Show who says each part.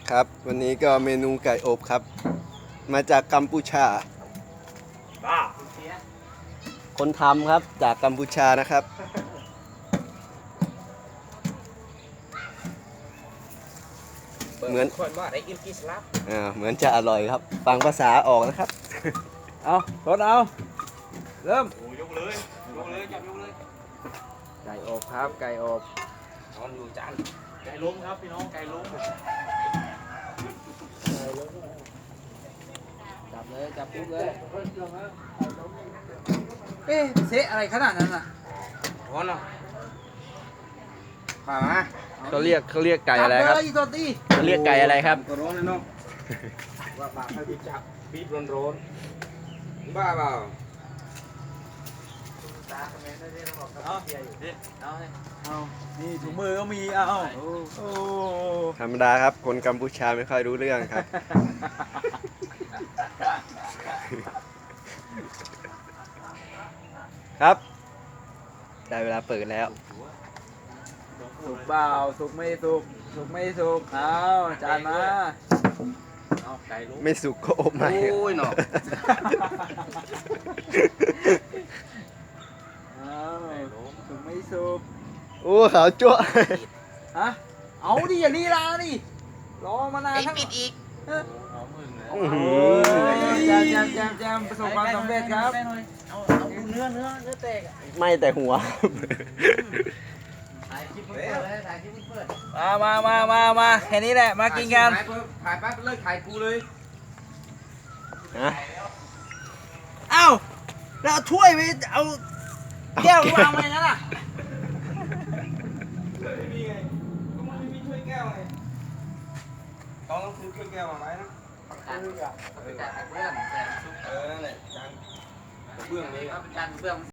Speaker 1: ครับวันนี้ก็เมนูไก่อบครับ มาจากกัมพูชา
Speaker 2: บ้า
Speaker 1: คนทำครับจากกัมพูชานะครับ เหมือน
Speaker 2: คนว่าได้กินกีสลับ
Speaker 1: เหมือนจะอร่อยครับ ฟังภาษาออกนะครับ
Speaker 3: เอาทดเอาเริ่ม
Speaker 2: โอ้ยกเลยจับยกเลย
Speaker 3: ไก่อบครับไก่อบ
Speaker 2: นอนอยู่จานไก่ล้มครับพี่น้องไก่ล้ม
Speaker 3: จับเลยจับปุ๊บเลยเอ๊ะเซะอะไรขนาดนั้นอ่ะ
Speaker 2: ร้อนเนาะมา
Speaker 1: เขาเรียกไก่อะไรครับ
Speaker 3: จับเลยตัวตี
Speaker 1: เขาเรียกไก่อะไรครับ
Speaker 2: ตัวร้อนเลยเนาะว่าปากให้พี่จับปี๊บร้อนบ้าเปล่าตาคอมเมนต์ได้ที่เราบอกเอาเฮียอยู่ดิเอาให้
Speaker 3: เอานี่ถุงมือก็มีเอาโอ้
Speaker 1: ธรรมดาครับ คนกัมพูชาไม่ค่อยรู้เรื่องครับ ครับได้เวลาเปิดแล้ว
Speaker 3: สุกเปล่าสุกไม่สุกสุกไม่สุกเอาจานมา
Speaker 2: เอาไก่ล้ม
Speaker 1: ไม่สุกก็อบใหม่
Speaker 2: โอ้ยเนาะ
Speaker 3: เอาสุกไม่สุก
Speaker 1: โอ้ขาวจั่ว
Speaker 3: ฮะเอาดิอย่าลีลาดิรอมานานทั้ง
Speaker 2: ปิดอีก
Speaker 3: เอ้ย
Speaker 2: หอมมึงเลย
Speaker 1: อื้อหื
Speaker 3: โอ้
Speaker 1: อย
Speaker 3: แจมประสบความสำเร็จครับ
Speaker 2: เอาดูเนื้อแตก
Speaker 1: ไม่แต่หัว
Speaker 2: ถ่ายคลิปเปิดเลยถ่ายคลิปเปิด
Speaker 3: มาแค่นี้แหละมากินกัน
Speaker 2: ถ่ายปั๊บเลิกถ่ายกูเลย
Speaker 1: นะ
Speaker 3: เอ้าแล้วเอาถ้วยไปเอาแก้ววางไว้งั้นอ่ะ
Speaker 2: ไม่มีไงก็มันไม่มีถ้วยแก้วไงต้องซื้อถ้วยแก้วมาไหมนะจานเบื้องนั่นแหละจานเบื้องนี้ครับจานเบื้อง